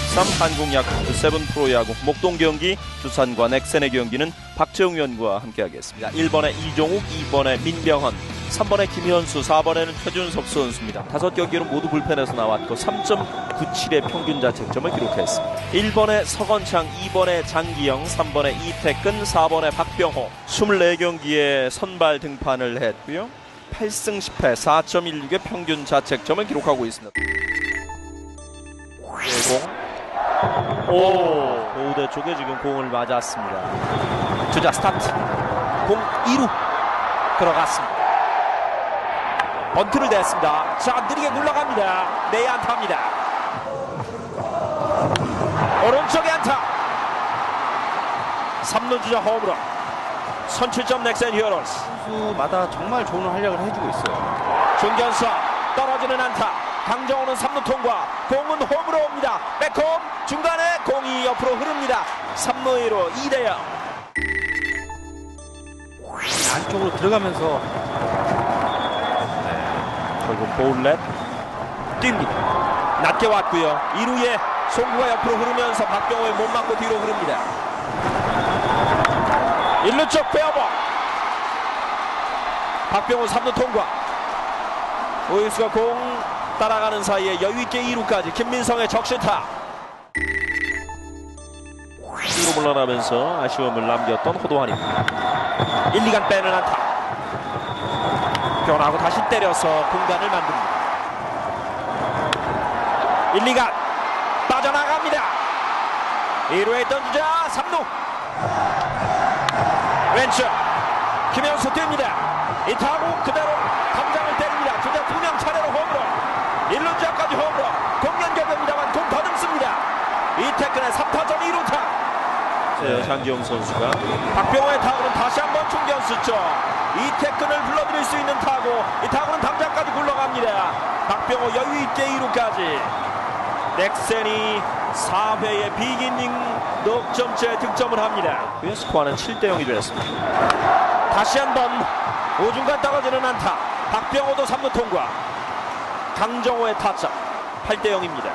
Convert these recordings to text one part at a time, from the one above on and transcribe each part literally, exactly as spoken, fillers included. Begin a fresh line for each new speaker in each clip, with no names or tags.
이십삼 한국 야쿠르트 세븐 프로야구 목동 경기 두산과 넥센의 경기는 박재웅 위원과 함께하겠습니다. 일 번에 이종욱, 이 번에 민병헌, 삼 번에 김현수, 사 번에는 최준석 선수입니다. 다섯 경기로 모두 불펜에서 나왔고 삼 점 구칠의 평균 자책점을 기록했습니다. 일 번에 서건창, 이 번에 장기영, 삼 번에 이태근, 사 번에 박병호. 이십사 경기에 선발 등판을 했고요. 팔 승 십 패 사 점 일육의 평균 자책점을 기록하고 있습니다. 공. 오, 보우대 쪽에 지금 공을 맞았습니다. 주자 스타트. 공 이 루 들어갔습니다. 번트를 냈습니다. 자, 느리게 굴러갑니다. 내야 안타입니다. 오른쪽에 안타. 삼 루 주자 홈으로 선취점 넥센 히어로스.
선수마다 정말 좋은 활약을 해주고 있어요.
중견수 떨어지는 안타. 강정호는 삼 루 통과. 공은 홈으로 옵니다. 백홈 중간에 공이 옆으로 흐릅니다. 삼 루 이 루 이 대 영.
안쪽으로 들어가면서
네, 결국 볼넷 뜁니다. 낮게 왔고요. 이 루에 송구가 옆으로 흐르면서 박병호의 못 맞고 뒤로 흐릅니다. 일 루 쪽 페어볼. 박병호 삼 루 통과. 오유수가 공 따라가는 사이에 여유있게 이 루까지 김민성의 적시타. 뒤로 물러나면서 아쉬움을 남겼던 호도환입니다. 일, 이 간 빼는 안타. 변하고 다시 때려서 공간을 만듭니다. 일, 이 간 빠져나갑니다. 이 루에 있던 주자 삼 루 왼쪽 김현수 뜁니다. 이 타구 그대로 담장을 때립니다. 주자 두 명 차례로 홈으로 일 루 주자까지 홈으로 공 연결됩니다만 공 더듬습니다. 이태근의 삼 타점 이 루타. 네, 장기영 선수가 박병호의 타구는 다시 한번 중견수 쪽. 이태근을 불러들일 수 있는 타구. 이 타구는 담장까지 굴러갑니다. 박병호 여유있게 이 루까지. 넥센이 사 회의 비기닝 넉점째 득점을 합니다. 스코어는 칠 대 영이 되었습니다. 다시 한번 오중간 떨어지는 안타. 박병호도 삼 루 통과. 강정호의 타점. 팔 대 영입니다.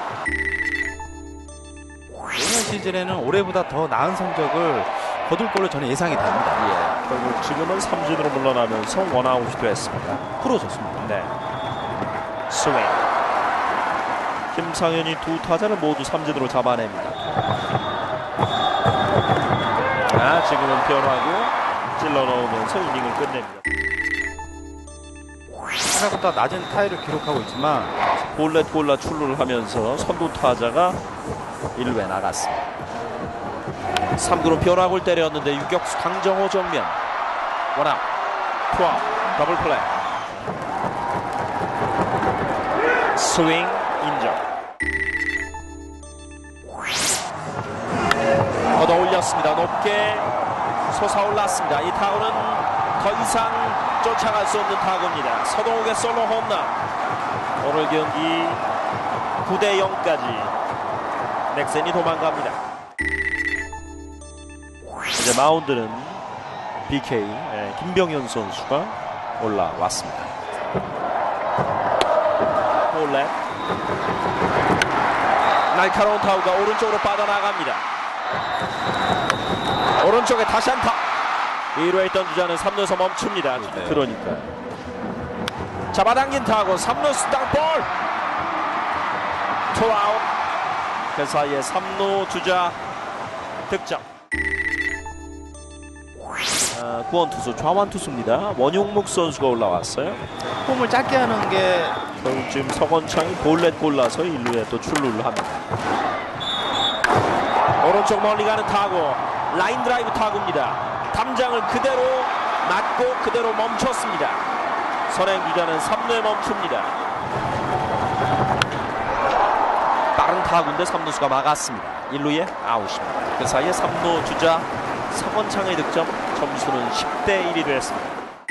내년 시즌에는 올해보다 더 나은 성적을 거둘 걸로 저는 예상이 됩니다.
예, 결국 지금은 삼진으로 물러나면서 원아웃이 됐습니다.
풀어졌습니다.
네. 스윙. 김상현이 두 타자를 모두 삼진으로 잡아냅니다. 아, 지금은 변화고 찔러 넣으면서 이닝을 끝냅니다.
생각보다 낮은 타율을 기록하고 있지만
볼넷 골라 출루를 하면서 선두 타자가 일 루에 나갔습니다. 삼 구로 변화구를 때렸는데 유격수 강정호 정면. 원아웃. 투아웃. 더블 플레이. 스윙 인정. 걷어 올렸습니다. 높게 솟아올랐습니다. 이 타구는 더 이상 쫓아갈 수 없는 타구입니다. 서동욱의 솔로 홈런. 오늘 경기 구 대 영까지 넥센이 도망갑니다. 이제 마운드는 비케이 예, 김병현 선수가 올라왔습니다. 볼넷. 날카로운 타구가 오른쪽으로 빠져나갑니다. 오른쪽에 다시 안타. 이 루에 있던 주자는 삼 루에서 멈춥니다. 네. 그러니까 잡아당긴 타구 삼 루 땅볼. 투아웃. 그 사이에 삼 루 주자 득점. 아, 구원 투수 좌완 투수입니다. 원용묵 선수가 올라왔어요.
홈을 짧게 하는 게
결국 지금 서건창이 볼넷 골라서 일 루에 또 출루를 합니다. 오른쪽 멀리 가는 타구. 라인 드라이브 타구입니다. 담장을 그대로 맞고 그대로 멈췄습니다. 선행 주자는 삼 루에 멈춥니다. 빠른 타구인데 삼 루수가 막았습니다. 일 루에 아웃입니다. 그 사이에 삼 루 주자 서건창의 득점. 점수는 십 대 일이 됐습니다.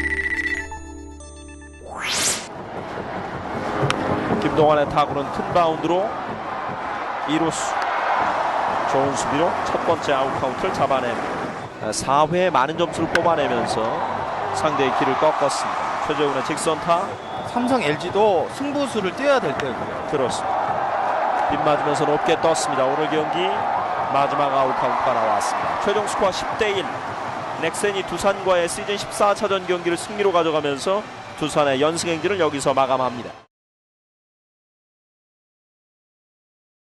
김동환의 타구는 큰 바운드로 이 루수 좋은 수비로 첫 번째 아웃 카운트를 잡아냅니다. 사 회에 많은 점수를 뽑아내면서 상대의 길을 꺾었습니다. 최재훈의 직선타.
삼성 엘지도 승부수를 띄어야 될 때고요.
그렇습니다. 빗맞으면서 높게 떴습니다. 오늘 경기 마지막 아웃 카운트가 나왔습니다. 최종 스코어 십 대 일. 넥센이 두산과의 시즌 십사 차전 경기를 승리로 가져가면서 두산의 연승 행진을 여기서 마감합니다.